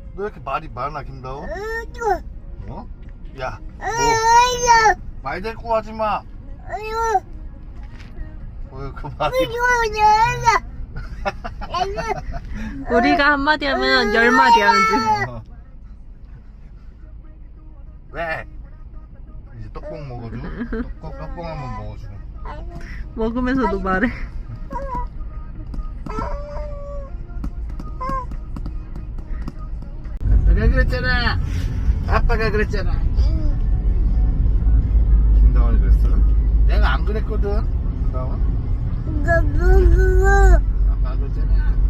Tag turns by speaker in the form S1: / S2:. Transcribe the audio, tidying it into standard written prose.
S1: 너 왜 이렇게 말이 많아, 김다운? 어? 야, 말 대꾸 하지 마. 그 말이.
S2: 우리가 한마디 하면 10마디 하는지.
S1: 어. 왜? 이제 떡볶 먹어줘. 떡볶 한번 먹어줘.
S2: 먹으면서도 말해.
S1: 내가 그랬잖아. 아빠가 그랬잖아. 김다원이 그랬어? 내가 안 그랬거든. 김다원. 아빠가 그랬잖아.